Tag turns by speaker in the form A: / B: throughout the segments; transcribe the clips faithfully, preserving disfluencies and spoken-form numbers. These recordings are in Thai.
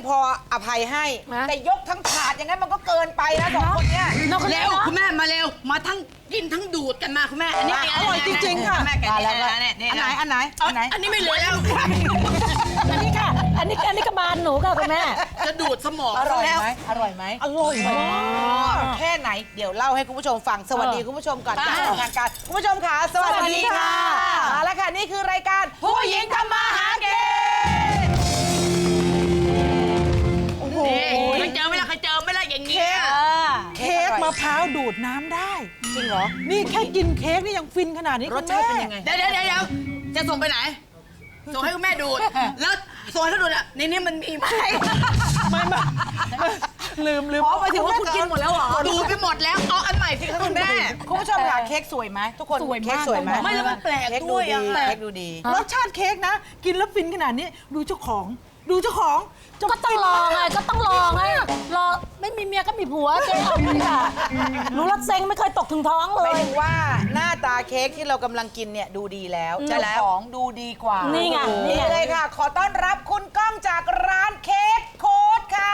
A: พออภัยให้แต่ยกทั้งถาดอย่างนั้นมันก็เกินไปนะสองคนเนี้ย
B: เร็วคุณแม่มาเร็วมาทั้งกินทั้งดูดกันมาคุณแม่อันนี้อร่อยจริงๆค่ะแม่แกะแล้วอันไหนอันไหนอันไหนอันนี้ไม่เหลือแล้ว
C: อันนี้ค่ะอันนี้อันนี้กระบาลหนูค่ะคุณแม่
B: จะดูดสมอง
A: อร่อย
B: แล้ว
A: ไหมอร่อยไหมอร่อยมากแค่ไหนเดี๋ยวเล่าให้คุณผู้ชมฟังสวัสดีคุณผู้ชมก่อนจากทางการคุณผู้ชมค่ะสวัสดีค่ะเอาละค่ะนี่คือรายการผู้หญิงทำมาหากินโอ้โห
B: เคยเจอไหมล่ะเคยเจอไหมล่ะอย่างนี้
D: เค้กมะพร้าวดูดน้ำได้
A: จริงเหรอ
D: นี่แค่กินเค้กนี่ยังฟินขนาดนี้
A: รสชาติเป็นยังไง
B: เดี๋ยวเดี๋ยวเดี๋ยวจะส่งไปไหนส่งให้คุณแม่ดูดแล้วส่งให้เขาดูดอ่ะในนี้มันมีไหม
D: ไม่ไม่ลืมลืม
A: อ๋อหมายถึงว่าคุณกินหมดแล้วเหรอ
B: ดูดไปหมดแล้วเอาอันใหม่สิคะคุณแม่
A: คุณผู้ชมค่ะเค้กสวยไหมทุกคนเค้กสวยไหม
B: ไม่แล้วมันแปลก
A: เค้ก
B: ด้วย
A: ดี
B: อ่ะ
A: เค้กดูดี
D: รสชาติเค้กนะ กินแล้วฟินขนาดนี้ดูเจ้าของ ดูเจ้าของ
C: ก็ต้องลองไงก็ต้องลองไงรอไม่มีเมียก็มีผัวเจ๊เอาเลยค่ะรู้รักเซ็งไม่เคยตกถึงท้องเล
A: หมาย
C: ย
A: ถึงว่าหน้าตาเค้กที่เรากำลังกินเนี่ยดูดีแล้ว
C: อืม
A: เจ้าของดูดีกว่า
C: นี่
A: นี่
C: ไงนี่
A: นี่
C: ไง
A: เลยค่ะ ขอต้อนรับคุณก้องจากร้านเค้กโค้ดค่ะ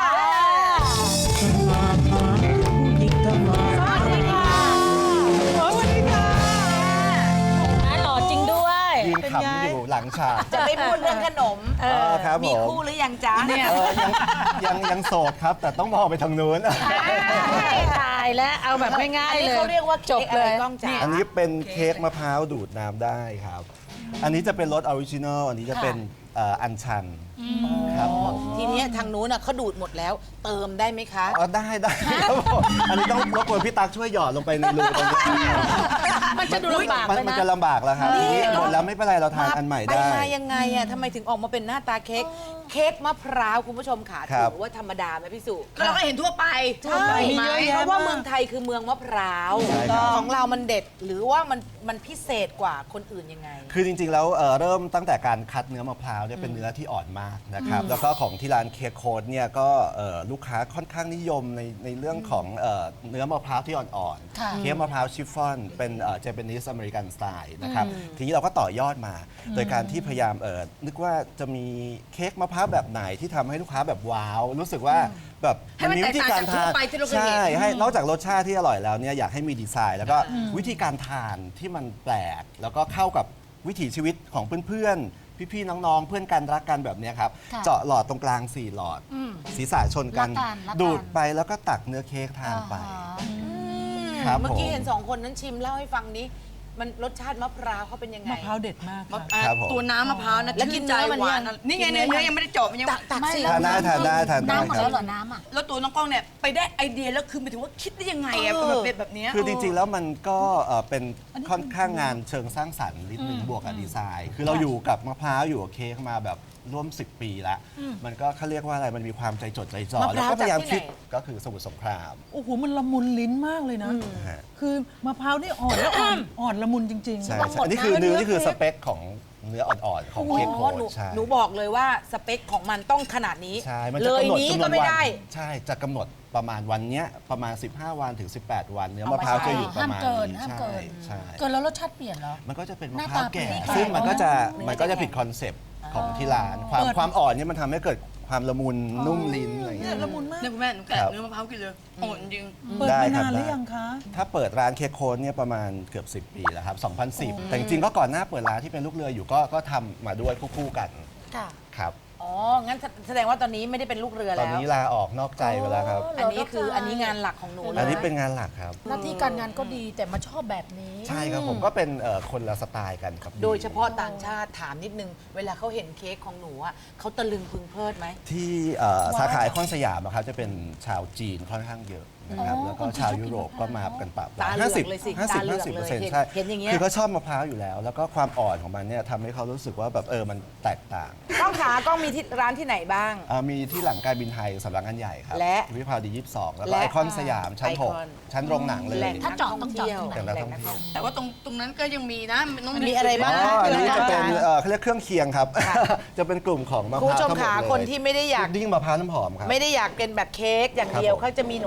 C: สวัสดีค่ะ
D: สวัสดีค่ะ
C: อ่ะหล่อจริงด้วย
E: ยืนขำอยู่หลังฉาก
A: จะไม่พูดเรื่องขนม
E: เออครับผ
A: มี
E: ม
A: คู่หรือยังจ๊ะเนี่ย
E: เออยังยังยังโสดครับ แต่ต้องมองไปทางนู้น
C: ตายแล้วเอาแบบง่าย
A: อัน
C: ๆ
A: นี้
C: เลย
A: เขาเรียกว่า
C: จ
A: เค้
C: บ
A: กอะ
C: เล
A: ไร
C: ย
A: ก้องจ๋า
E: อันนี้เป็นเค้กมะพร้าวดูดน้ำได้ครับ อันนี้จะเป็นรสออริจินอลอันนี้จะเป็นเอ่ออัญชันครับผม
A: ทีเนี้ยทางนู้นน่ะเขาดูดหมดแล้ว เติมได้ไหมคะ
E: อ๋อได้ได้ครับผมอันนี้ต้องรบกวนพี่ตั๊กช่วยหยอดลงไปในรูตรงนี้
C: มันจะดูลำบาก
E: มัน
C: ไป
E: มัน
C: นะ
E: จะลำบากแล้วครับทีนี้หมดแล้วไม่เป็นไรเราทานอันใหม่
A: ไป
E: ได้
A: มายังไงอ่ะทำไมถึงออกมาเป็นหน้าตาเค้กเค้กมะพร้าวคุณผู้ชมค่ะ
E: ครับ
A: ถือว่าธรรมดาไหมพี่สุ
B: ก็เราก็เห็นทั่วไป
A: ใช่
D: มีเยอะแยะ
A: เพราะว่า
D: าก
A: เมืองไทยคือเมืองมะพร้าว
E: ใช่ครับ
A: ของเรามันเด็ดหรือว่ามันมันพิเศษกว่าคนอื่นยังไง
E: คือจริงๆ แล้วเอ่อเริ่มตั้งแต่การคัดเนื้อมะพร้าวเนี่ยเป็นเนื้อที่อ่อนมากนะครับ แล้วก็ของที่ร้านเค้กโค้ดเนี่ยก็เอ่อลูกค้าค่อนข้างนิยมในในเรื่องของเอ่อเนื้อมะพร้าวที่อ่อนๆ เค้กมะพร้าวชิฟฟ่อนเป็นเจแปนิสอเมริกันสไตล์นะครับ ทีนี้เราก็ต่อยอดมา โดยการที่พยายามเอ่อนึกว่าจะมีเค้กมะพร้าวแบบไหนที่ทำให้ลูกค้าแบบว้าว รู้สึกว่าแบบ
B: ให้มัน
E: วิธีการ
B: แตกต่างจากทั่
E: ทาน
B: วไปที่เราเคยเห็น
E: ใช่ให้นอกจากรสชาติที่อร่อยแล้วเนี่ยอยากให้มีดีไซน์ แล้วก็วิธีการทานที่มันแปลก แล้วก็เข้ากับวิถีชีวิตของเพื่อนๆ พี่ๆ น้องๆ เพื่อนกันรักกันแบบเนี้ยครับ
C: ค่ะ
E: เจาะหลอดตรงกลางสี่หลอด ศีรษะชนกัน
C: รับทานรับทาน
E: ดูดไปแล้วก็ตักเนื้อเค้กทานไป ครับ
A: เมื่อกี้
E: ผม
A: เห็นสองคนนั้นชิมเล่าให้ฟังนี้ มันรสชาติมะพร้าวเขาเป็นยังไง
D: มะพร้าวเด็ดมากค่ะ
B: อ่ะ
E: ครับผม
B: ตัวน้ำมะพร้าวนะ
A: แล้วกิน
B: ชื่ใจ
A: เนื้อมัน
B: หวา
A: ยัง
B: นี่ไง
A: กินเนื้
B: เนื้
A: อ
B: อยังไม่ได้เจาะมันยัง
A: ตักตักสิ
E: ทานได้ทานได้ทานได้
C: น้ำหมด
E: ครั
C: แล้
E: บ
C: วเหรอน้ำอ่ะ
B: แล้วตัวน้องกล้องเนี่ยไปได้ไอเดียแล้วคือหมายถึงว่าคิดได้ยังไงอะ
A: เออ
B: แบบแบบเนี้ย
E: คือจริงๆ แล้วมันก็เอ่อเป็นค่อนข้างงานเชิงสร้างสรรค์นิดนึงบวกกับดีไซน์ คือเราอยู่กับมะพร้าวอยู่กับเค้กมาแบบร่วมสิบปีแล้ว มันก็เขาเรียกว่าอะไรมันมีความใจจดใจจ่อ
A: มะพ
E: แล้ว
A: ร้าว
E: ก็พยายาม
A: จากที่
E: คิด
A: ไหน
E: ก็คือสมุทรสงคราม
D: โอ้โห มันละมุนลิ้นมากเลยนะ
E: ฮะ
D: คือมะพร้าวนี่อ่อนแล้วอ่อนอ่อนละมุนจริง
E: ใช่
C: ต้องหม
E: ใช่
C: ด
E: อันนี้คือ
C: นะ
E: เนื้อ
C: เนื้อ
E: นี่คือ
C: เค้
E: ส
C: ก
E: เปคของเนื้ออ่อนๆ ของ
A: อ๋
E: เค้กโค้
A: อ
E: ด
A: หนู
E: ใช่
A: หนูบอกเลยว่าสเปคของมันต้องขนาดนี้
E: ใช่มัน
A: เล
E: จะ
A: ย
E: กำหนด
A: นี้
E: จำน
A: ก็
E: วน
A: ไม่
E: วัน
A: ได้
E: ใช่จะกำหนดประมาณวันเนี้ยประมาณ สิบห้า วันถึง สิบแปด วันเนื้อ
A: เอา
E: มะ
A: มา
E: พร้าว
A: ใช้
E: จะอยู่ประมาณ
C: ห้ามเกิน
E: นี้
C: ห้าม
E: ใช่
C: เกิน
E: ใช่
C: เกินแล้วรสชาติเปลี่ยนเหรอ
E: มันก็จะเป็น
C: ห
E: มะ
C: น้า
E: พร้าว
C: ตา
E: แก่
C: เปลี่ยน
E: ซึ่งมันก็จะ
A: เนื้อ
E: มันก็
A: จะ
E: จะ
A: แข็ง
E: ผิดคอนเซปต์ของที่ร้าน ความความอ่อนเนี่ยมันทำให้เกิดความละมุนนุ่มลิ้นอะไรอย่าง
D: ๆ
E: เงี้
D: เนี่ย ยละมุนมาก
B: เนี่ยคุณแม่หนูแกะ
E: ครับ
B: เนื้อมะพร้าวกินเลยอ่อนจริง
D: เปิด
E: ได้
D: มา
E: ครับ
D: นานหรือ
E: ได้
D: ยังคะ
E: ถ้าเปิดร้านเค้กโค้ดเนี่ยประมาณเกือบ สิบ ปีแล้วครับ สองพันสิบ แต่จริงๆก็ก่อนหน้าเปิดร้านที่เป็นลูกเรืออยู่ก็ก็ทำมาด้วยคู่ๆกัน
C: ค่ะ
E: ครับ
A: อ๋อ งั้นแสดงว่าตอนนี้ไม่ได้เป็นลูกเรือ
E: ตอ
A: แล้
E: น
A: ว
E: นี้ลาออกนอกใจไปแล้วครับ
A: อันนี้คืออันนี้งานหลักของหนูเลย
E: อันนี้เป็นงานหลักครับ
C: หน้าที่การงานก็ดีแต่มาชอบแบบนี้
E: ใช่ครับผมก็เป็นเอ่อคนละสไตล์กันครับ
A: โดยเฉพาะต่างชาติถามนิดนึง เวลาเขาเห็นเค้กของหนูอ่ะเขาตะลึงพึงเพลิดไหม
E: ที่เอ่อสาขาไอคอนสยามอะครับจะเป็นชาวจีนค่อนข้างเยอะนะครับ
C: อ๋อ
E: แล้วก็ชาวยุโรปก็มากันปะ
A: ตาเหลือกเลยสิ
E: ห้าสิบ
A: ตาเหลือก
E: ห้าสิบ
A: เล
E: เปอย ร์เซ็นต์
A: เห็น
E: ใช่
A: เห็นอย่างเงี้ย
E: คือเขาชอบมะพร้าวอยู่แล้ว แล้วก็ความอ่อนของมันเนี่ยทำให้เขารู้สึกว่าแบบเออมันแตกต่าง
A: กล้องขากล้องมีที่ร้านที่ไหนบ้าง
E: เอ่อมีที่หลังการบินไทยสำนักงานใหญ่ครับ
A: และ
E: วิภาวดียี่สิบสองแล้วก็
A: และ
E: ไอคอนสยามชั้นหก
A: ไอคอน
E: ชั้นโรงหนังเลย
A: แหล่ง
C: ถ้าเจาะต้องเจาะ
A: ที่ยว
C: ตรงไหน
E: แต่ละท่องเที่ยว
B: แต่ว่าตรงตรงนั้นก็ยังมีนะน้อง
A: มีอะไรบ้าง
E: อ๋ออันนี้จะเป็น
A: คืออะไร
E: เอ่อเขาเรียกเครื่องเคียงครับ จะเป็นกลุ่มของมะพ
A: คุณ
E: ร้าว
A: ผู้ชม
E: ทั้งหมด
A: ขา
E: เลย
A: คนที่ไม่ได้อยาก
E: พุดดิ้งมะพร้าวน้ำหอมครับ
A: ไม่ได้อยากเป็นแบบเค้กอย่างเดียว
E: ครับผม
A: เขาจะมีขนมปังสาม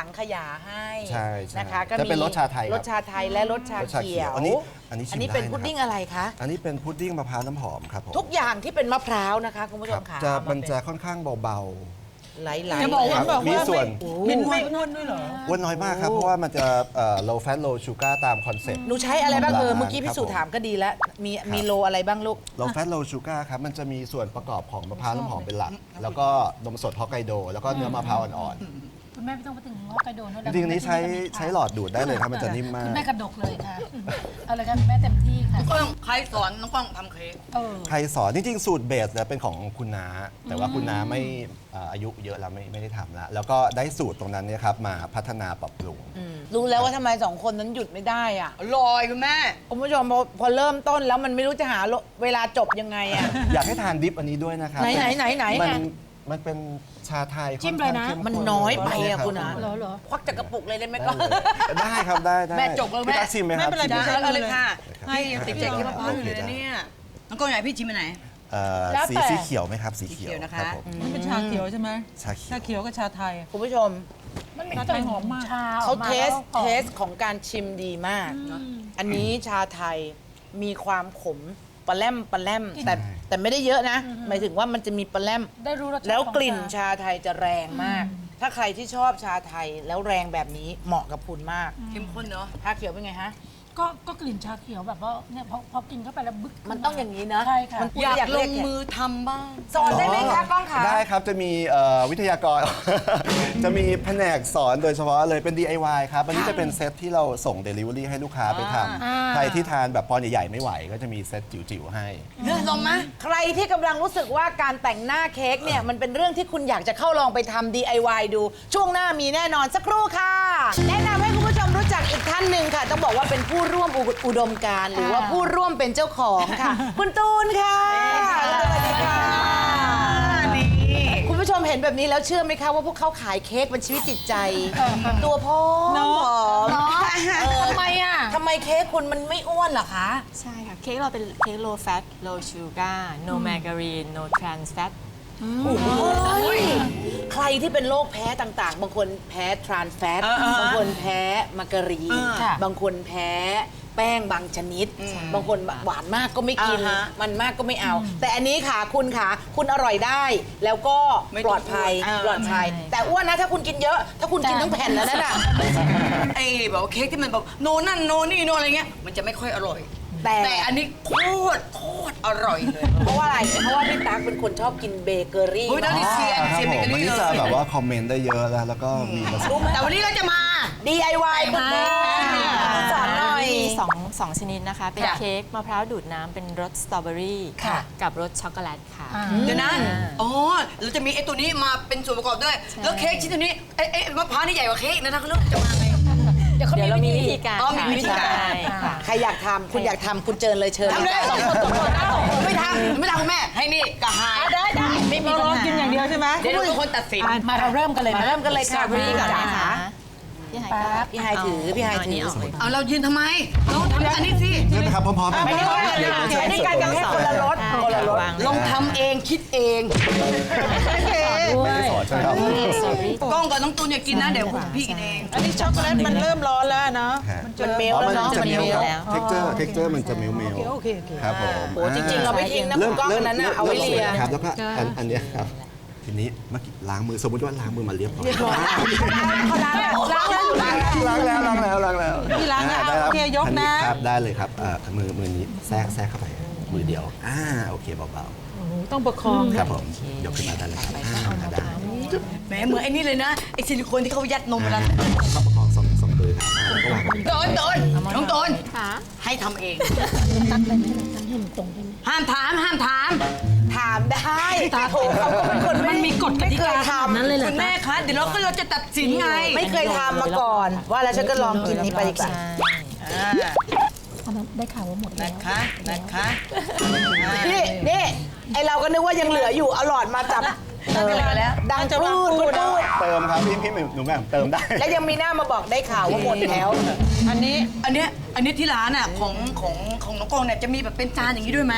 A: สังขยาให้
E: ใช่ใช่
A: นะคะ
E: จะเป็นรสชาไทยครับ
A: รสชาไทยและรสชาร
E: สชา
A: เขี
E: เขี
A: ย
E: ยว วอันนี้อันนี้ชิม
A: อันนี้เป็น
E: ได้นะครับ
A: พุดดิ้งอะไรคะ
E: อันนี้เป็นพุดดิ้งมะพร้าวน้ำหอมครับผม
A: ทุกอย่างที่เป็นมะพร้าวนะคะคุณผู้ช
E: ครั
A: ม
E: บ
A: ค่ะ
E: จะ
A: เอาา
E: มันจะ
A: เป็
E: ค่อนข้างเบา
A: ไหลๆ
D: จะบอกว่า
E: ครับ
D: แบบ
E: มี
D: ว่า
E: ส่วน
D: ไม่ไม่อ้วนด้วยเหรอ
E: ๆอ้วนน้อยมากครับ เพราะว่ามันจะเอ่อ low fat low sugar ตามคอนเซ็ปต์
A: หนูใช้อะไรบ้างเออเมื่อกี้
E: ครับ
A: พี่สุ
E: ผม
A: ถามก็ดีแล้ว มีมีโลอะไรบ้างลูก
E: low fat low sugar ครับ มันจะมีส่วนประกอบของมะพร้าวน้ำหอมเป็นหลัก แล้วก็นมสดฮอกไกโด แล้วก็เนื้อมะพร้าวอ่อน
C: คุณแม่ไม่ต้องไปถึงฮอกไกโดนะ
E: ๆ จริงๆอันนี้ใช้ใช้หลอดดูดได้เลยครับ มันจะนิ่มมาก
C: คุณแม่กระดกเลยค่ะเอาเลยค่ะคุณแม่เต็มที่ค่ะ
B: ก้องใครสอนน้องก้องทำเค้ก
C: เออ
E: ใครสอน จริงๆ สูตรเบสเนี่ยเป็นของคุณน้า แต่ว่าคุณน้าไม่เอ่ออายุเยอะแล้วไม่ไม่ได้ทำแล้ว แล้วก็ได้สูตรตรงนั้นเนี่ยครับมาพัฒนาปรับปรุง
A: รู้แล้วว่าทำไมสองคนนั้นหยุดไม่ได้อ่ะ
B: อร่อยคุณแม่
A: คุณผู้ชมพอพอเริ่มต้นแล้วมันไม่รู้จะหาเวลาจบยังไงอ่ะ
E: อยากให้ทานดิฟอันนี้ด้วยนะครับ
A: ไหนไหนไหนไหน
E: มันมันเป็นชาไทย
C: จิ้มเลยนะ
E: ค่อข้างข้
A: มันน้อยไปอะ
E: รับ
A: คุณนะ
C: เหรอเหรอ
A: ควักจากกระปุกเลยได้ไหมก็
E: ได้ครับได้ได้
B: แม่จกเลยแม่
E: พี่ตั๊กชิมไหมครับ
D: ไม่เป็นไร
E: ชิ
B: จ้า
E: ห
B: เอาเลยค่ะ
E: ให้
B: ให้ติดใจกินมะพร้าวอยู่เลยนะเนี่ยน้องก้องอยากให้พี่ชิมไปไหน
E: เอ่อ
A: แล้ว
E: สี
A: แต่
E: สีเขียวไหมครับ สี
B: สี
E: เขี
B: เขี
E: ย
B: ยว วนะคะ
E: รับผม
D: มันเป็นชาเขียวใช่ไหม
E: ชาเขียว
D: ชาเขียวกับชาไทย
A: คุณผู้ชม
C: มันมี
D: ชาไทยหอมมาก
C: ชาอ
A: เขา
C: อกมา
A: เทส
C: แล้วหอม
A: เทสของการชิมดีมากเนอะอันนี้ชาไทยมีความขมปลาแรมปลาแรมแต่แต่ไม่ได้เยอะนะ หมายถึงว่ามันจะมีปลาแรม
C: ได้รู้รสชาติ
A: แล้วกลิ่น
C: ของ
A: ชาไทยจะแรงมาก ถ้าใครที่ชอบชาไทยแล้วแรงแบบนี้เหมาะกับคุณมาก
B: เข้มข้นเนาะ
A: ชาเขียวเป็นไงฮะ
C: ก็ก็กลิ่นชาเขียวแบบว่าเนี่ยพอพอกินเข้าไปแล้วบึกขึ้
A: มันต้องอย่างนี้นะ
C: ใช่ค่ะ
A: มัน
B: อยาก
A: อยาก
B: ล
A: เรีย
B: ง
A: ก
B: มือทำบ้าง
A: สอนได้ไหมคะกล้องคะ
E: ได้ครับ จะมีเอ่อวิทยากร จะมีแผนกสอนโดยเฉพาะเลยเป็น ดี ไอ วาย ครับ อันนี้จะเป็นเซตที่เราส่ง Delivery ให้ลูกค้าไปทำใครที่ทานแบบปอนด์ใหญ่ๆ ไม่ไหว ก็จะมีเซตจิ๋วๆ ให้
B: เนื้อลงไหม
A: ใครที่กำลังรู้สึกว่าการแต่งหน้าเค้กเนี่ยมันเป็นเรื่องที่คุณอยากจะเข้าลองไปทำ ดี ไอ วาย ดู ช่วงหน้ามีแน่นอนสักครู่ค่ะ แนะนำให้คุณผู้ชมรู้จักอีกท่านหนึ่งค่ะ ต้องบอกว่าเป็นผู้ร่วมอุอุดมการณ์หรือว่าผู้ร่วมเป็นเจ้าของค่ะ คุณตูนค่ะสวัสดีค่ะ
B: นี่
A: คุณผู้ชมเห็นแบบนี้แล้วเชื่อไหมคะว่าพวกเขาขายเค้กเป็นชีวิตจิตใจ ตัวพร้อมผอม
C: เนาะ
A: เออ
C: ทำไมอ่ะ
A: ทำไมเค้กคุณมันไม่อ้วนเหรอคะ
F: ใช่ค่ะ เค้กเราเป็นเค้ก low fat low sugar no margarine no trans fat
A: โอ้ยใครที่เป็นโรคแพ้ต่างๆ บางคนแพ้ทรานส์แฟต บางคนแพ้มาการีน
C: ค่ะ
A: บางคนแพ้แป้งบางชนิด บางคนหวานมากก็ไม่กิน
B: อ่าฮะ
A: มันมากก็ไม่เอา แต่อันนี้ค่ะคุณค่ะ คุณอร่อยได้ แล้วก็
B: ไม่
A: ป
B: ต้อง
A: ลอดภัย
B: อ้วน
A: ปลอดภัย แต่อ้วนนะถ้าคุณกินเยอะ ถ้าคุณกินทั้งแผ่นแล้วนั่นน่ะ
B: ไอ้แบบว่าเค้กที่มันแบบโนนั่นโนนี่โนอะไรเงี้ยมันจะไม่ค่อยอร่อย
A: แต่
B: แต่อันนี้โคตรโคตรอร่อยเลย
A: เพราะว่าอะไร เพราะว่าพี่ตั๊กเป็นคนชอบกินเบเกอรี่
B: เฮ้ยนั่นดิ เซียน
E: ครับ
B: เซียน
E: ผ
B: เบ
E: ม
B: เกอรี่
E: วันนี้จะแบบว่าคอมเมนต์ได้เยอะแล้ว แล้วก็มีประสบ
B: แต่วันนี้เราจะมา
A: ดี ไอ วาย คุณแม่สอนหน่อย
F: มีสองสองชนิดนะคะ เป็น
B: จ้ะ
F: เค้กมะพร้าวดูดน้ำเป็นรสสตรอเบอรี่
A: ค่ะ
F: กับรสช็อกโกแลตค่ะ
B: เดี๋ยวนะอ๋อเราจะมีไอ้ตัวนี้มาเป็นส่วนประกอบด้วย แล้วเค้กชิ้นตัวนี้ไอ้ไอ้มะพร้าวนี่ใหญ่กว่าเค้กนะเขาเริ่มจะมาไง
C: เดี๋ยวเขา
F: เดี๋ยวเรามี
C: มี
F: วิ
C: วิธี
F: ธีการ
B: อ๋อมี
F: ค่ะ
B: วิธีการ
F: ใช่ค่ะ
A: ใครอยากทำคุณอยากทำคุณเจิญเลยเชิญ
B: ทำเลยสองคนสองคนนะไม่ทำไม่ทำคุณแม่ ให้นี่กับหาย
C: ได้ได้ไม่มี
D: เรา
C: ปัญ
D: รอ
C: หา
D: กินอย่างเดียวใช่ไหม
B: เดี๋ยวเราเป็นคนตัดสิน
C: มาเราเริ่มกันเลย
A: มาเริ่มกันเลยค่ะ
F: สตรอเบอรี่ก่อน
A: จ๋า
F: นะคะ พี่ไฮก็
A: พี่ไฮถือพี่ไฮถือ
F: เานี้ออกเลย
B: เอาเรายืนทำไมเราทำอันนี้สิ
E: ใช่ไหมครับพร้อมๆกัน
A: ไม่ได้ว่ากัน
E: เดี๋ยว
A: ค่ะ
E: เชิญ
A: อันนี้การกันแค่คนละรส
F: ได้
A: คนละรส
F: วาง
B: ลองทำเองคิดเอง
E: ไม่ได้สอนใช่ไหมครับ
F: สตรอเบอรี่
B: กล้องกับน้องตูนอย่ากินนะ เดี๋ยวคุณพี่กินเอง
D: อันนี้ช็อกโกแลตมันเริ่มร้อนแล้วเนาะ
A: มันเมล
E: อ๋อ
A: แล้ว
E: มัน
A: เนาะ
E: จะ
A: มัน
E: มิล
A: เมล
E: ครับ texture texture มันจะมิลมิล
D: โอเคโอเค
E: ครับผม
A: โอ้จริงๆเราไม่ทิ้งนะคุณกล้องอันนั้นน่ะเอาไว้เลีย
E: ครับแล้วก็อันอันเนี้ยครับทีนี้เมื่อกี้ล้างมือสมมติว่าล้างมือมาเรียบร้อย
A: เขาล้างแล้วล้างแล้วล้างแล้ว
E: ล้างแล้วล้างแล้วล้างแล้ว
D: พี่ล้างแล้ว
E: อ่ได้รับ
D: โอเคยกนะ
E: อัครับได้เลยครับเอ่อมือมือนี้แทรกแทรกเข้าไปมือเดียวอ่าโอเคเบา
D: โอ้โหต้องประคอง
E: ๆครับผมยกขึ้นมาได้เลยครับอ่าได้
B: แหมเหมือนไอ้นี่เลยนะ ไอ้ซิลิโคนที่เขายัดนมเวลา
E: ต้องประคองสองสองมือครับอ่าแล้วก็วาง
B: โดนโดนน้องโดน
F: ค่ะ
B: ให้ทำเอง
C: ตักได้ไหมตักให้มันตรงได้ไหม
B: ห้ามถาม ห้ามถาม
A: ถามได้โถเขาก็เป็นคนไม่มีกฎกติกาทำ
C: นั้นเลยเหรอ
B: คุณแม่คะ เดี๋ยวเราก็เราจะตัดสินไง
A: ไม่เคยทำมาก่อน ว่าแล้วฉันก็ลองกินนี้ไปดีกว่า
B: อ่า
C: อันนั้นได้ข่าวว่าหมดแล้ว
B: นะคะนะคะ
A: นี่นี่ไอเราก็นึกว่ายังเหลืออยู่เอาหลอดมาจับเออดังจะพูดพูดพูด
E: เติมครับพี่พี่หนูแม่เติมได้
A: แล้วยังมีหน้ามาบอกได้ข่าวว่าหมดแล้ว
D: อันนี้
B: อันเนี้ยอันเนี้ยที่ร้านอ่ะของของของน้องกองเนี่ยจะมีแบบเป็นจานอย่างนี้ด้วยไหม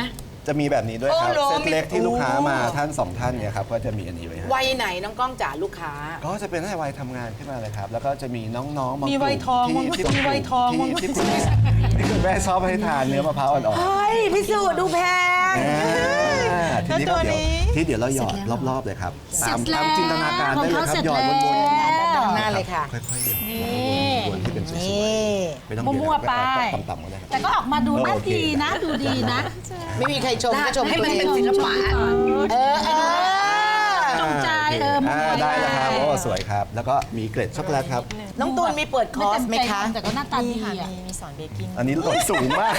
E: จะมีแบบนี้ด้วยครับ
B: โอ้โห
E: เซตเล็กที่ลูกค้ามาท่านสองท่านเนี่ยครับก็จะมีอันนี้ไว้ให้
A: วัยไหนน้องก้องจ๋าลูกค้า
E: ก็จะเป็นให้วัยทำงานขึ้นมาเลยครับ แล้วก็จะมีน้องๆบางก
D: มี
E: ลุ่ม
D: วัยทอง
E: ที่
D: มั้ง
E: ที่
D: มีวัยทองมั้ง
E: ที่ที่คุณแม่ที่คุณแม่ชอบให้ทานเนื้อมะพร้าวอ่อน
A: เฮ้ยพี่สุดูแพง
E: ๆอ่าทีนี้ก็
A: แล้วตัว
E: เดี๋ยว
A: นี้
E: ที่เดี๋ยวเราหยอดรอบๆเลยครับตาม
C: เสร็จแล้ว
E: ตามจินตนาการได้เลยครับ
C: ของเขาเสร็จ
E: หยอดวน
C: แล้ว
E: ๆ
A: ด้านหน้าเลยค่ะ
E: ค่อยๆหยอด
C: นี่
E: วนๆที่เป็นสวย
A: นี่
E: ๆไม่ต้อง
C: มั่วๆไป
E: ต่ำๆก็ได้ครับ
C: แต่ก็ออกมาดูน่า
E: โอเค
C: ดีนะ ดูดีนะ
A: ไม่มีใครชมก็ชม
B: ให้
A: ตัว
B: มัน
A: เอ
B: เป็น
A: ง
B: ศิลปะ
A: เออเออ
C: จงใจเออมั่วๆ
E: าได้แล้วครับ
C: ได้
E: โอ้สวยครับ แล้วก็มีเกล็ดช็อกโกแลตครับ
A: น้องตูนมีเปิดคอร์สไหมคะ
C: แต่ก็หน้าตา
F: มี
C: ดี
F: ค่ะ
C: อ่ะ
F: มีมีสอนเบกกิ้ง
E: อันนี้ลดสูงมาก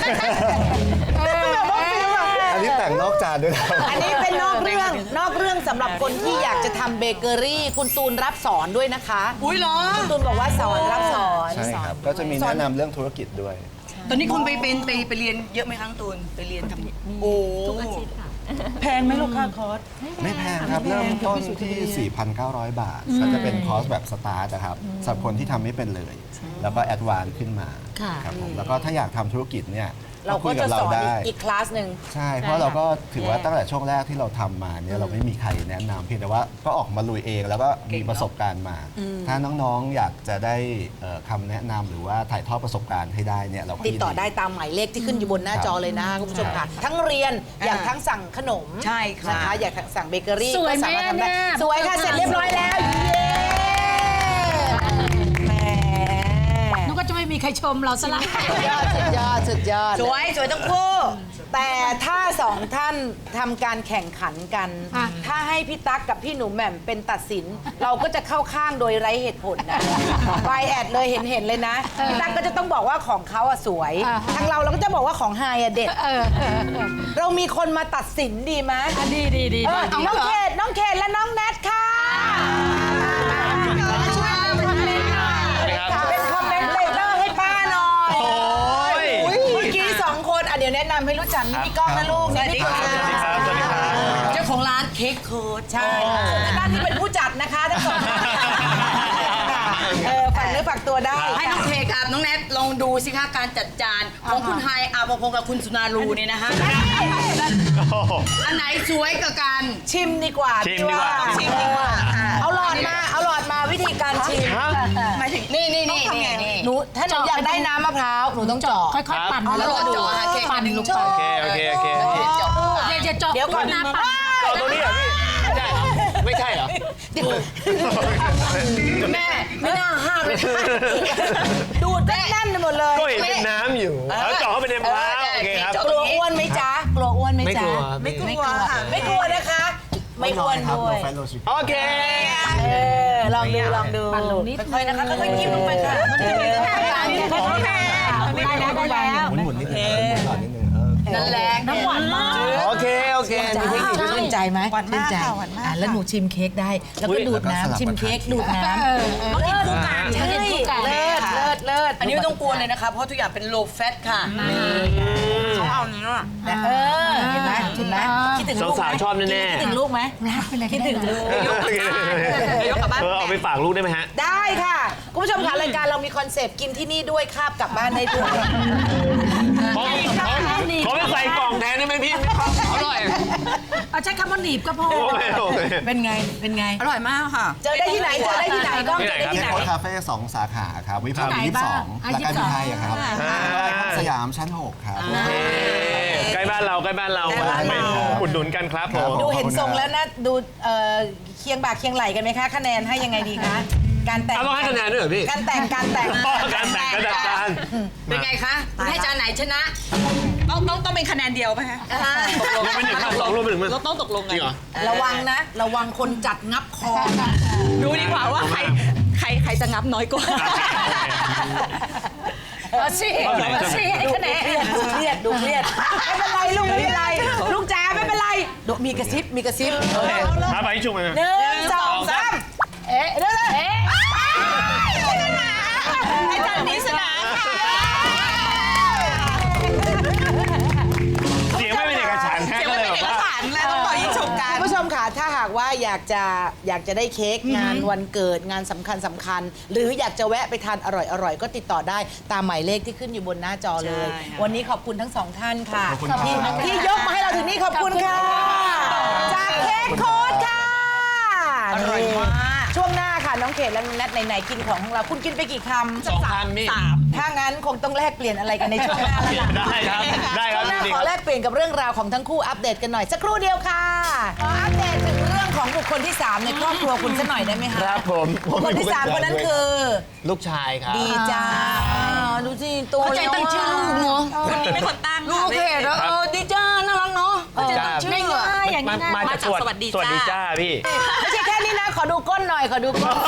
E: อันนี้แต่งนอกจานด้วยนะ
A: อันนี้เป็นนอกเรื่องนอกเรื่องสำหรับคนที่อยากจะทำเบเกอรี่ คุณตูนรับสอนด้วยนะคะ
B: อุ้ยเหรอ
A: คุณตูนบอกว่าสอนรับสอน
E: ใช่ครับ ก็จะมีแนะนำเรื่องธุรกิจด้วย
B: ตอนนี้คุณไปเป็นไปไปเรียนเยอะไหมครั้งตูนไปเรียนทำโอ้
F: ทุกอาทิตย์ค่ะ
D: แพงไหมลูกค้าคอร์ส
E: ไม่แพงครับ เริ่มต้นที่ สี่พันเก้าร้อย บาท ก็จะเป็นคอร์สแบบสตาร์ทนะครับสำหรับคนที่ทำไม่เป็นเลย แล้วก็แอดวานซ์ขึ้นมา
C: ค่ะ
E: ครับผมแล้วก็ถ้าอยากทำธุรกิจเนี่ย
A: เรา
E: คุ
A: ก็
E: ยกั
A: จะ
E: บเรา
A: สอน
E: ได้
A: อีกคลาสหนึ่ง
E: ใช่ เพราะเราก็ถือว่าตั้งแต่ช่วงแรกที่เราทำมาเนี่ยเราไม่มีใครแนะนำเพียงแต่ว่าก็ออกมาลุยเองแล้วก็มีประสบการณ์มา ถ้าน้องๆอยากจะได้เอ่อคำแนะนำหรือว่าถ่ายทอดประสบการณ์ให้ได้เนี่ยเราก็
A: ติดต่อ
E: ยิน
A: ได้ตามหมายเลขที่ขึ้นอยู่บนหน้า
E: ครับ
A: จอเลยนะคุณผู้ชมค่ะ ทั้งเรียนอยากทั้งสั่งขนม
B: ใช่ค่ะ
A: นะคะ อยากสั่งเบเกอรี่
C: สวยไหม
A: ก็สามารถทำได้
C: เนี่ย
A: สวยค่ะ เสร็จเรียบร้อยแล้ว เย้แหม
C: นึกว่าจะไม่มีใครชมเราซะละ
A: สุดยอดสุดยอดสุดยอด
B: สวยสวยทั้งคู่
A: แต่ถ้าสองท่านทำการแข่งขันกัน
C: อ่ะ
A: ถ้าให้พี่ตั๊กกับพี่หนูแหม่มเป็นตัดสิน เราก็จะเข้าข้างโดยไร้เหตุผลนะไฟแอดเลยเห็นเห็นๆเลยนะ พี่ตั๊กก็จะต้องบอกว่าของเขาอะสวย ทางเราเราก็จะบอกว่าของไฮอะเด็ด
C: เออเออเออ
A: เรามีคนมาตัดสินดีไหม
C: อ่ะดีดีดี
A: เออ
C: ดี
A: น้องเขตน้องเขตและน้องแนทค่ะเป็นคอมเมนต์เลเตอร์ให้ป้าหน่อยเมื่อกี้สองคนอ่ะเดี๋ยวแนะนำให้รู้จักนี่พี่ก้องนะลูกนี่พี่ก้อง
B: เจ้าของร้านเค้กเคิร์ด
A: ใช่ด้านที่เป็นผู้จัดนะคะทั้งสองท่านเออฝากเนื้อฝากตัวได้
B: ให้น้องเค้กกับน้องแนทลองดูสิคะการจัดจานของคุณไฮอาภพงศ์กับคุณสุนารูเนี่ยนะคะอันไหนสวยกว่ากัน
A: ชิมดีกว่า
G: ชิมดีกว่า
A: ชิมดีกว่าเอาหลอดมาเอาหลอดมาวิธีการชิม
B: หมายถึงนี่นี่นี่นี่นี่
A: หนูถ้าหนูอยากได้น้ำมะพร้าวหนูต้องเจาะ
C: ค่อยๆปั่น
B: เอาแล้ว
C: ก็
B: เจาะหาเค้ก
C: ปั่นลงไป
G: โอเค โอเค โอเค
C: อย่าอย่าเจาะ
A: เดี๋ยวก่อน
C: น้ำปั่น
G: เอาตัวนี้เหรอพี่ ไม่ใช่เหรอ ไม่ใช่เหรอ
A: แม่ไม่น่าห้ามเลยดูดแน่นๆไปหมดเลย
G: ก็เห็นเป็นน้ำอยู่ แล้วเจาะเข้าไปในมะพร้าวโอเคครับ
A: กลัวอ้วนไหมจ๊ะกลัวอ้วนไหมจ๊ะ
G: ไม่กลัว
A: ไม่กลัวค่ะไม่กลัวนะคะ ไม่อ้วน
E: ครับ
A: ด้วย
E: โนไฟโลชิค
G: โอเค
A: เออลองดูลองดู
C: ปั่นลงนิด
A: ค่อยๆนะคะค่อยๆจิ้มลงไปค่ะมันจะมี
C: ค่อยๆปั่นค่อยๆปั่นได้แล้วได้แล้ว
E: หมุนๆนิดนึงหมุนก่อนนิดนึงเออ
B: นั่นแหละ
C: น้ำหวานมาก
G: โอเค โอเคมีเทคนิคด้วย
A: ชื่นใจไหมหวานมากค่ะหวานมากแล้วหนูชิมเค้กได้ แล้วก็ดูดน้ำชิมเค้กดูดน้ำ
C: เออเออ
A: เลิศใช่เลิศเลิศเลิศ
B: อันนี้ไม่ต้องกลัวเลยนะคะเพราะทุกอย่างเป็น low fat ค่ะ
A: เอาเนื้อเออเห็นไหมเห็นไหมคิดถึงลูกไหม
G: สาวๆชอบแน่ๆ
A: คิดถึงลูกไหมคิดถึงลูก
B: ยกกลับบ้าน
G: เออเอาไปฝากลูกได้ไหมฮะ
A: ได้ค่ะ คุณผู้ชมค่ะรายการเรามีคอนเซปต์กินที่นี่ด้วยคาบกลับบ้านได้ด้วย
G: ขอขอขอไปใส่กล่องแทนได้ไหมพี่อร่อย
C: เอาใช้คำว่าหนีบก็พอ
G: โอเคโอเค
A: เป็นไงเป็นไง
B: อร่อยมากค่ะ
A: เจอได้ที่ไหนเจอได้ที่ไหนก็เจอได้ที่ไหน
E: เค้กโค้ดคาเฟ่สองสาขาครับวิภาวดียี่สิบสอง
C: อ่ะ
E: และการบินไทยอะครับ
G: อ่า
E: สยามชั้นหกครับ
G: เอ้ใกล้บ้านเราใกล้บ้านเรา
A: ใกล้บ้านเรา
G: ไปอุดหนุนกันครับผม
A: ดูเห็นทรงแล้วนะดูเอ่อเคียงบ่าเคียงไหลกันไหมคะคะแนนให้ยังไงดีคะการแต่ง
G: เอาต้องให้คะแนนด้วยเหรอพี่
A: การแต่งการแต่ง
G: อ๋อการแต่งกระดาษจาน
B: เป็นไงคะคุณให้จานไหนชนะ ต้องต้องต้องเป็นคะแนนเดียวไหมคะ
G: รวมเป็นหนึ่งครับสองรวมเป็นหนึ่งมั้ย
B: เราต้องตกลงกัน
G: จริงเหรอ
A: ระวังนะ ระวังคนจัดงับคอ
B: ดูดีกว่าว่าใครใครใครจะงับน้อยกว่า
C: เอาสิเอาสิให้คะแนน
A: ดูเครียดดูเครียดไม่เป็นไรลูกไม่เป็นไรลูกจ๋าไม่เป็นไรดูมีกระซิบมีกระซิบ
G: ครับไปชุบมา
A: หนึ่งสองสามเอ๊ะเดี๋ยวนะเอ๊ะ
B: ไอ้จานนี้ชนะค่ะ
G: เสียงไม่เป็นเอกฉันท์ฮะก็เลยแบบว่า
B: แล้วต้องปล่อยยิงฉกกัน
A: คุณผู้ชมค่ะถ้าหากว่าอยากจะอยากจะได้เค้กงานวันเกิดงานสำคัญสำคัญ หรืออยากจะแวะไปทานอร่อยอร่อยก็ติดต่อได้ตามหมายเลขที่ขึ้นอยู่บนหน้าจอเลย
B: ใช่ค่ะ
A: วันนี้ขอบคุณทั้งสองท่านค่ะ
E: ขอบคุณครับ
A: ที่ที่ยกมาให้เราคืนนี้ขอบคุณค่ะ จากเค้กโค้ดค่ะอร่อยมากช่วงหน้าค่ะ น้องเขตและน้องแนทไหนๆกินของของเราคุณกินไปกี่คำ
G: สองพันพี่
A: ถ้างั้นคงต้องแลกเปลี่ยนอะไรกันในช่วงหน้าแล้วล่ะ
G: ได้ครับได้ค
A: ช่
G: รั
A: ว
G: บ
A: งหน้า
G: ดี
A: ข
G: ค
A: อ
G: รับ
A: แลกเปลี่ยนกับเรื่องราวของทั้งคู่อัปเดตกันหน่อยสักครู่เดียวค่ะขออัปเดตถึงเรื่องของบุคคลที่สามในครอบครัวคุณสักหน่อยได้ไหมคะ
G: ครับผม
A: บุคคลที่สามคนนั้นคือ
G: ลูกชายครับ
A: ดีจ้าดูสิโต
B: เข้าใจ
A: แล้ว
B: ตั้งชื่อลูกเนาะ
F: คนนี้เป็นคนตั้ง
B: ลูกเพจเออดีจ้าน่ารักเนาะเข้าใจตั้งชื่ออะ
C: อย่าง
G: มา
C: นี้นะ
G: มาจากสวัสดีสวัสดีจ้าพี่
A: ไม่ใช่แค่นี้นะขอดูก้นหน่อยขอดูก้น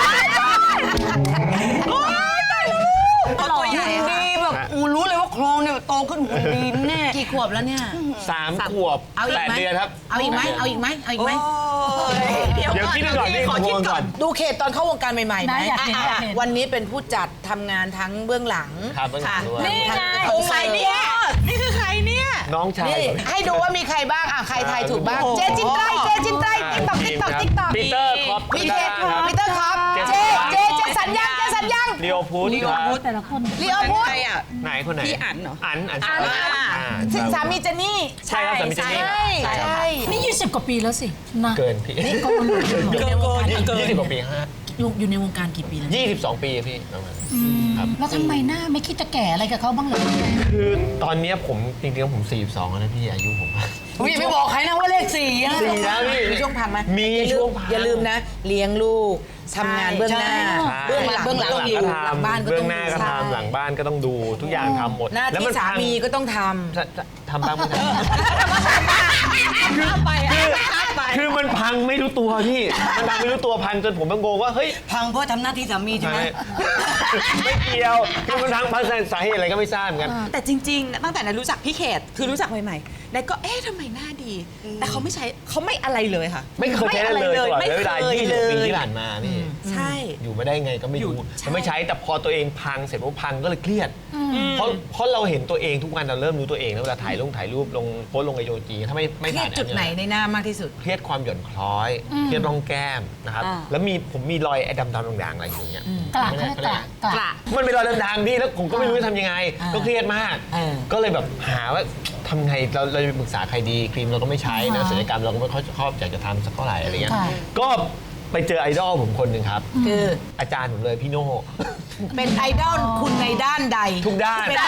B: ตัวใหญ่ดีแบบอูรู้เลยว่าโครงเนี่ยโตขึ้นหุ่นดีแน่
A: กี่ขวบแล้วเนี่ย
G: สามขวบ
A: เอาอี
G: แป
A: ก
G: ด
A: ไหม
G: เดือนครับ
A: เอาอีกไหมเอาอีกไหมเอาอีกไหม
G: เดี๋ยวคิดดูก่อนพี่ขอคิดก่อน
A: ดูเขตตอนเข้าวงการใหม่ๆไหม
C: นะอยากเห็นอยากเห็น
A: วันนี้เป็นผู้จัดทำงานทั้งเบื้องหลัง
G: ครับเบื้องหลังด้วย
C: นี่ไง
A: โอ้ใครเนี่ย
F: นี่คือใครเนี่ย
G: น้องชาย
A: นี่
G: ผม
A: ให้ดูว่ามีใครบ้างอ่ะใครทายถูกบ้าง เจจินไตรเจจินไตรติ๊กต็อกติ๊กต็อกติ๊กต็อก
G: ปีเตอร์คอป
A: พีเจพีเตอร์ครับเจเจเจสัญญาเจสัญญา
G: เรียวพุทธครับ
C: แต่ละคน
A: ลีโอพุทธ
G: ไหนคนไหน
F: พี่อั๋นเหรอ
G: อันอัน
A: อัน
G: อ่า
A: สามีเจนนี่
G: ใช่ครับสามีเจนนี่
A: ใช่ใช่
C: นี่ยี่สิบกว่าปีแล้วสินะ
G: เกินพี่
C: ก็มันอยู่ในวงการ
G: ยี่สิบกว่าปีฮะ
C: อยู่อยู่ในวงการกี่ปีแล้ว
G: ยี่สิบสองปีพี่ประมาณครับ
C: แล้วทำไมหน้าไม่คิดจะแก่อะไรกับเขาบ้างเลย
G: คือตอนเนี้ยผมจริงๆผมสี่สิบสองแล้วนะพี่อายุผม
B: อุ้ยอย่าไปบอกใครนะว่าเลขสี่อะ
G: สี่แล้วพี่
A: มีช่วงพังไหม
G: มี
A: อย่าลื
G: ช่ว
A: ม
G: งพัง
A: อย่าลืมนะ เลี้ยงลูกทำงานเบื้องหน้า
G: ใช่
A: เบื้องหลัง
B: เบื้องหลัง
A: ต้องอยู่
G: ก็
A: หลังบ้าน
G: ทำ
A: ก็
G: เบื้
A: ต้
G: อ
A: อง
G: งหน้าก็
A: ใช่
G: ทำหลังบ้านก็ต้องดูทุกอย่างทำหมด
A: หน้า
G: แล้ว
A: ที่
G: มัน
A: สา
G: พัง
A: มีก็ต้องท
G: จะจะทำบ้างไม่ทำ
F: ไปอ่ะไป
G: คือมันพังไม่รู้ตัวพี่ มันพังไม่รู้ตัวพังจนผมต้องงงว่าเฮ้ย
B: พังเพราะทำหน้าที่สามีใช่ไหม
G: ไม่เกี่ยวคือมันพังพังสาเหตุอะไรก็ไม่ทราบเหมือนกัน
F: แต่จริงๆ ตั้งแต่นั้นรู้จักพี่เขต คือรู้จักใหม่ๆนายก็เอ๊ะทำไมหน้าดี แต่เขาไม่ใช้เขาไม่อะไรเลยค่ะ
G: ไม่เคยใช้เลยตลอด
F: ไม่
G: เว
F: เค
G: ลาย ยี่สิบ
F: เล
G: ปี
F: ย
G: ที่ผ่านมาพี่
F: ใช่
G: อยู่ไม่ได้ไงก็ไม่รู้
F: อยู่ใช่
G: มันไม่ใช้แต่พอตัวเองพังเสร็จปุ๊บพังก็เลยเครียด เพราะเพราะเราเห็นตัวเองทุกวันเราเริ่มรู้ตัวเองแล้วเวลาถ่ายลงถ่ายรูปลงโพสต์ลงไอจีถ้าไม่
A: ำ
G: ไม่
A: เครีย
G: ผ่า
A: ด
G: น
A: จุดไหนในหน้ามากที่สุด
G: เครียดความหย่อนคล้อย เครียดร่องแก้มนะครับ
F: อ่า
G: แล้วมีผมมีรอยไอ้ดำๆด่างๆอะไรอยู่เงี้ย
C: กระเขาเรียกกระกระ
F: กระ
G: มันเป็นรอยด่างๆพี่แล้วผมก็ไม่รู้จะทำยังไง
A: อ่า
G: ก็เครียดมาก
A: เออ
G: ก็เลยแบบหาว่าทำไงเราเราจะไปปรึกษาใครดีครีมเราก็ไม่ใช้นะศัลยกรรมเราก็ไม่ค่อยชอบอยากจะทำสักเท่าไหร่อะไรเงี้ย
C: ค่ะ
G: ก็ไปเจอไอดอลผมคนหนึ่งครับ
A: คือ
G: อาจารย์ผมเลยพี่โน่
A: เป็นไอดอลคุณในด้านใด
G: ทุกด้าน
A: เป็น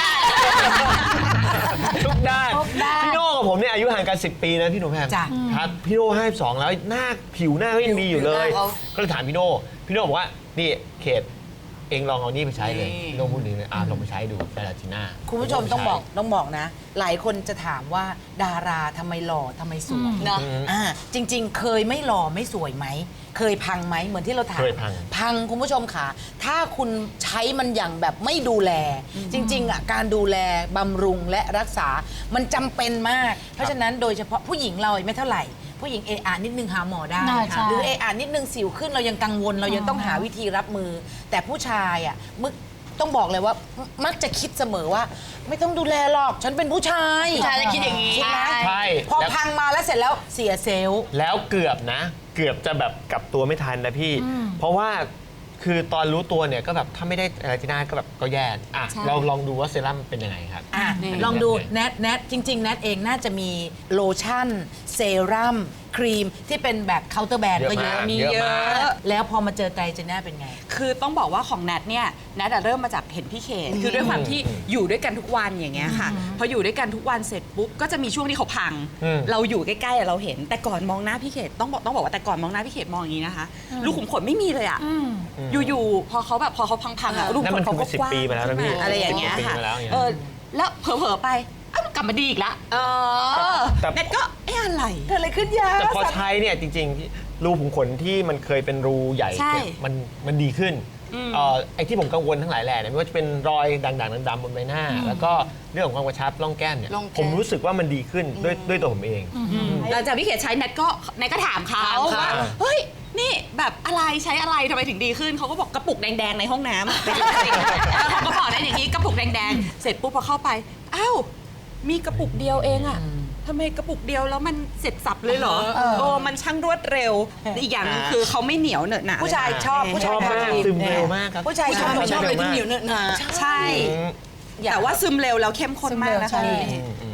G: ทุกด้าน
C: ทุกด้าน
G: พี่โน่กับผมเนี่ยอายุห่างกันสิบปีนะพี่หนุ่มแพม
A: จ้ะ
G: ครับพี่โน่ห้าสิบสองแล้วหน้าผิวหน้าก็ยังดีอยู่เลย
B: ผิวหน้าเขา
G: ก็เลยถามพี่โน่พี่โน่บอกว่านี่เขตเองลองเอานี่ไปใช้เลย
B: นี่
G: พี่โน่พูดดีเลยอ่ะลองไปใช้ดูแฟลาติน่า
A: คุณผู้ชมต้องบอกต้องบอกนะ หลายคนจะถามว่าดาราทำไมหล่อทำไมสวย
B: เนาะ
A: อ่าจริง ๆ เคยไม่หล่อไม่สวยไหม เคยพังไหมเหมือนที่เราถาม
G: เคยพัง
A: พังคุณผู้ชมค่ะ ถ้าคุณใช้มันอย่างแบบไม่ดูแล จริงๆอ่ะการดูแลบำรุงและรักษา มันจำเป็นมาก เพราะฉะนั้นโดยเฉพาะผู้หญิงเราไม่เท่าไหร่ ผู้หญิงเออานิดนึงหาหมอได้
C: ได้ใช่
A: หรือเออานิดนึงสิวขึ้นเรายังกังวลเรายังต้องหาวิธีรับมือ แต่ผู้ชายอ่ะมึกต้องบอกเลยว่ามักจะคิดเสมอว่า ไม่ต้องดูแลหรอกฉันเป็นผู้ชาย
B: ผู้ชายจะคิดอย่างนี้
A: คิดไหม
G: ใช่
A: พอ
G: แล้ว
A: พังมาแล้วเสร็จแล้วเสียเซลล์
G: แล้วเกือบนะ เกือบจะแบบกลับตัวไม่ทันนะพี่ เพราะว่าคือตอนรู้ตัวเนี่ยก็แบบถ้าไม่ได้อะไรที่หน้าก็แบบก็แย่อ่ะ
F: ใช่
G: เราลองดูว่าเซรั่มเป็นยังไงครับ
A: อ่ะ
F: นี่
A: ลองดูแนทแนทจริง ๆ แนทเองน่าจะมีโลชั่น เซรั่มครีมที่เป็นแบบเคาน์เตอร์แบรนด์ก็เยอะ
G: เยอะมาก
A: มี
G: เยอะ
A: เย
G: มาก
A: อะ แล้วพอมาเจอไตรเจน่าเป็นไง
F: คือต้องบอกว่าของแนทเนี่ยแนทอะเริ่มมาจากเห็นพี่เขตคือด้วยความที่อยู่ด้วยกันทุกวันอย่างเงี้ยค่ะพออยู่ด้วยกันทุกวันเสร็จปุ๊บก็จะมีช่วงที่เขาพัง
G: อืม
F: เราอยู่ใกล้ๆอะเราเห็น แต่ก่อนมองหน้าพี่เขตต้องบอกต้องบอกว่าแต่ก่อนมองหน้าพี่เขตมองอย่างนี้นะคะลูกขุมขนไม่มีเลยอะอยู่ๆพอเขาแบบพอเขาพังๆอะลูกขุมขนเขาก็กว้าง
G: นั่นมันคือสิบปีมาแล้วนะพี่
F: อะไรอย่างเงี้ย
G: สิบปี
F: ค่ะ
G: มาแล้วอย่างเงี้ย
F: เออแล้วเผลอๆไปอ้าวกลับมาดีอีกละเออ
G: แต่
F: แนทก็เอ๊ะอะไร
A: เกิดอะไรขึ้นยา
G: แต่พอใช้เนี่ยจริงๆที่รูขุมขนที่มันเคยเป็นรูใหญ่
F: ใช่
G: เนี่ยมันมันดีขึ้นเอ่อไอ้ที่ผมกังวลทั้งหลายแหล่เนี่ยไม่ว่าจะเป็นรอยด่างๆดำๆบนใบหน้า แล้วก็เรื่องของความกระชับร่องแก้มเนี่ย
B: ร่องแก้ม
G: ผมรู้สึกว่ามันดีขึ้นด้วยด้วยตัวผมเอง
F: หลังจากพี่เขตใช้แนทก็แนทก็ถามเขา
G: ถามเขา
F: ว่าเฮ้ยนี่แบบอะไรใช้อะไรทำไมถึงดีขึ้นเขาก็บอกกระปุกแดงๆในห้องน้ำเป็นจริงๆเออเขาก็บอกได้อย่างนี้กระปุกแดงๆเสร็จปุ๊บพอเข้าไปอ้าวมีกระปุกเดียวเองอะทำไมกระปุกเดียวแล้วมันเสร็จสับเลยเหรอโอ้มันช่างรวดเร็วอีกอย่างหนึงคือเขาไม่เหนียวเหนอะหนะ
A: ผู้ชายชอบผู้
G: ช
A: ชาย
G: อบมาก
A: ทำ
G: ซึมเร็วมากครับ
A: ผู้ชาย
B: ผู้
A: ช
B: ชา
A: อย บ
B: ไม่ชอบเลยที่เหนียวเนอะหนา
F: ใช่ แต่ว่าซึมเร็วแล้วเข้มข้นมากนะคะ
A: ซึมเร็วใช่
F: พี่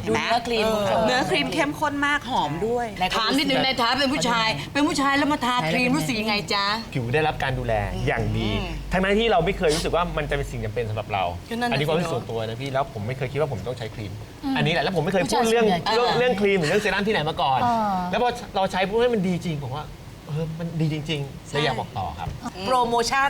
F: เห็นไหม
A: ดูเนื้อครีม
F: เนื้อครีมเข้มข้นมากหอมด้วย
B: ถามนิดนึงในฐานะเป็นผู้ชาย เป็นผู้ชายแล้วมาทาครีมรู้สึกยังไงจ๊ะ
G: ผิวได้รับการดูแลอย่างดี ทั้งนั้นที่เราไม่เคยรู้สึกว่ามันจะเป็นสิ่งจำเป็นสำหรับเรา
B: ก็นั่นน่ะ
G: อันนี้ความรู้สึก
B: สิ
G: ส่วนตัวนะพี่ แล้วผมไม่เคยคิดว่าผมต้องใช้ครีม อันนี้แหละแล้วผมไม่เคย
C: ผู้
G: พู
C: ชาย
G: ดเรื่อง
C: ส่วนใหญ่
G: เรื่องเรื่องครีมหรือเรื่องเซรั่มที่ไหนมาก่อน
C: อ่า
G: แล้วพอเราใช้ปุ๊บให้มันดีจริงผมว่าเออมันดีจริงๆเลยอยากบอกต่อครับ
A: โปรโมชั่น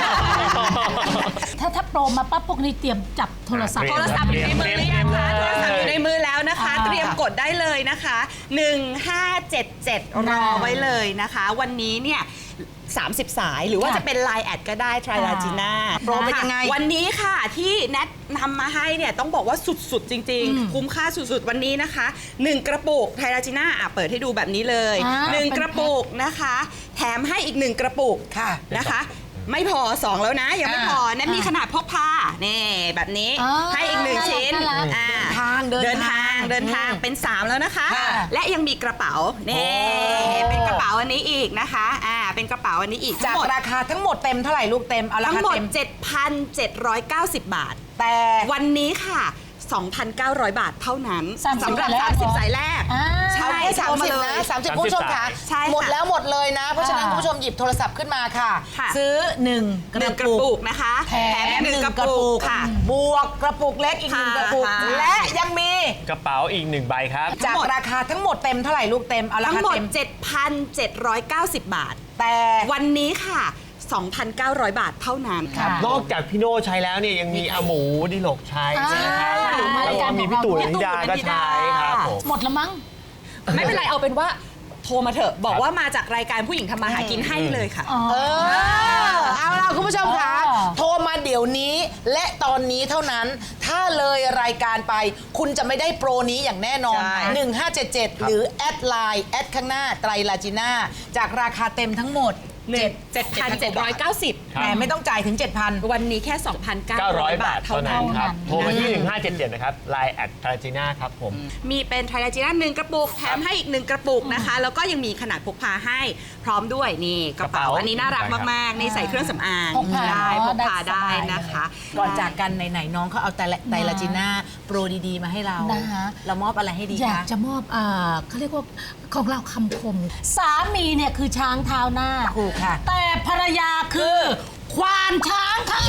C: ถ้าถ้าโปรมาปั๊บพวกนี้เตรียมจับโทรศัพท์
F: โทรศัพท์อยู่ในมือหรือยังคะโทรศัพท์อยู่ในมือแล้วนะคะ
C: อ่า
F: เตรียมกดได้เลยนะคะหนึ่งห้าเจ็ดเจ็ดรอไว้เลยนะคะ วันนี้เนี่ยสามสิบ สายหรือว่า
C: ค่ะ
F: จะเป็น ไลน์ แอดก็ได้ทริลาจีน่า
A: โปรเป็นยังไง
F: วันนี้ค่ะที่แนทนำมาให้เนี่ยต้องบอกว่าสุดๆ จริง ๆ คุ้มค่าสุดๆ วันนี้นะคะหนึ่งกระปุกไทราจีน่าอ่ะเปิดให้ดูแบบนี้เลย
C: อ่า
F: หนึ่ง
C: เป็น
F: กระปุกนะคะ แถมให้อีกหนึ่งกระปุก
A: ค่ะ
F: นะคะ ไม่พอสองแล้วนะ ยังไม่พอแนทมีขนาดพกพานี่แบบนี้
C: อ๋อ
F: ให้อีกหนึ่งชิ้น
C: น่ารัก
F: อ่า
A: ทางเดิน
F: เดินทา
A: ทาง ง
F: เดินทางเป็นสามแล้วนะคะ
A: ค่ะ
F: และยังมีกระเป๋านี่เป็นกระเป๋าอันนี้อีกนะคะอ่าเป็นกระเป๋าอันนี้อีก
A: จาก
F: ทั้งหมด
A: ราคาทั้งหมดเต็มเท่าไหร่ลูกเต็มเอารา
F: ทั้ง
A: คา
F: หมด
A: เต็ม
F: เจ็ดพันเจ็ดร้อยเก้าสิบ บาท
A: แต่
F: วันนี้ค่ะ สองพันเก้าร้อย บาทเท่านั้น
C: สามสิบ
F: สำหรับ
C: สายแรก
F: สามสิบ สายแรก
C: อ่า
F: ใช่
A: เอาแค่สามสิบ
F: โทร
A: นะ
F: เลย
A: สามสิบ
G: สามสิบ
A: คุณผู้ชมค่ะ
F: ใช่ค่ะ
A: หมดแล้วหมดเลยนะ เพราะฉะนั้น
C: อ่า
A: คุณผู้ชมหยิบโทรศัพท์ขึ้นมาค่ะ
F: ค่ะ
A: ซื้อหนึ่งก
F: หนึ่
A: ระ
F: งกระ
A: ปุ
F: ปุ
A: ก
F: กนะคะ
A: แถม
F: หนึ่ง
A: หนึ่ง
F: กระ
A: กระ
F: ปุ
A: ปุ
F: ก
A: ก
F: ค่ะ
A: บวกกระปุกเล็กอีกหนึ่ง
F: ค่ะ
A: กระปุก
F: ค่ะ
A: และยังมี
G: กระเป๋าอีกหนึ่งใบครับ
A: จากราคาทั้งหมดเต็มเท่าไหร่ลูกเต็มเอารา
F: ทั้ง
A: คา
F: หมด
A: เต็ม
F: เจ็ดพันเจ็ดร้อยเก้าสิบ บาท
A: แต่
F: วันนี้ค่ะ สองพันเก้าร้อย บาทเท่านั้น
C: ค่ะ
G: นอกจากพี่โน่ใช้แล้วเนี่ยยังมีอาหมูดิลกใช้ใช่ไหมครับ
C: อ่า
G: แล้วก็มีพี่ตู่นันทิดาก็ใช้ครับผม
C: หมดแล้วมั้ง
F: ไม่เป็นไรเอาเป็นว่าโทรมาเถอะ บอกว่ามาจากรายการผู้หญิงทำมาหากินให้เลยค่ะ
A: เออเอาล่ะคุณผู้ชมคะ
C: อ๋อ
A: โทรมาเดี๋ยวนี้และตอนนี้เท่านั้น ถ้าเลยรายการไป คุณจะไม่ได้โปรนี้อย่างแน่นอน
F: ใช่
A: หนึ่งห้าเจ็ดเจ็ด หรือแอดไลน์แอดข้างหน้าไตรลาจิน่าจากราคาเต็มทั้งหมด
F: เจ็ดเจ็ดพันเจ็ดร้อยเก้าสิบ
G: ครับ
A: แต่ไม่ต้องจ่ายถึง เจ็ดพัน
F: วันนี้แค่ สองพันเก้า
G: เก้า
F: ร้
G: ร้
F: อ
G: อย ย
F: บา
G: บา
F: ท
G: ท
F: เท่า
G: เท่า
F: นั้
G: นั้น นครับ โทรมาที่ หนึ่งห้าเจ็ดเจ็ด นะครับ ไลน์ แอด ทาราจีน่าครับผม
F: มีเป็นไทรจีน่าหนึ่งกระปุกแถมให้อีกหนึ่งกระปุกนะคะ แล้วก็ยังมีขนาดพกพาให้พร้อมด้วยนี่กระเป๋าก
G: ระเป๋า
F: อันนี้น่ารักมากๆนี่ใส่เครื่องสำอาง
C: พกพา
F: ได้พกพา
C: ได้
F: ได้
C: สบาย
F: นะคะ
A: ก่อนจากกันไหนๆน้องเขาเอาไตรไตรลาจิน่าโปรดีๆมาให้เรา
C: นะคะ
A: เรามอบอะไรให้ดี
C: อยาก
A: คะ
C: จะมอบอ่าเขาเรียกว่าของเราคำคม สามีเนี่ยคือช้างเท้าหน้า
A: ถูกค่ะ
C: แต่ภรรยาคือ ควานช้างค่ะ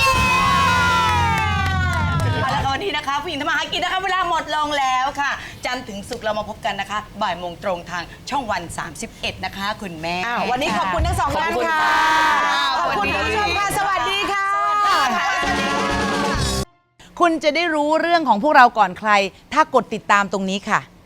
B: เอาละค่ะวันนี้นะคะผู้หญิงทำมาหากินนะคะเวลาหมดลงแล้วค่ะ จันทร์ถึงศุกร์เรามาพบกันนะคะ บ่ายโมงตรงทางช่องวัน สามสิบเอ็ด นะคะ คุณแม่
A: อ้าววันนี้ขอบคุณทั้งสองท่านค่ะ ขอบคุณคุณผู้ชมค่ะ สวัสดีค่ะ คุณจะได้รู้เรื่องของพวกเราก่อนใคร ถ้ากดติดตามตรงนี้ค่ะ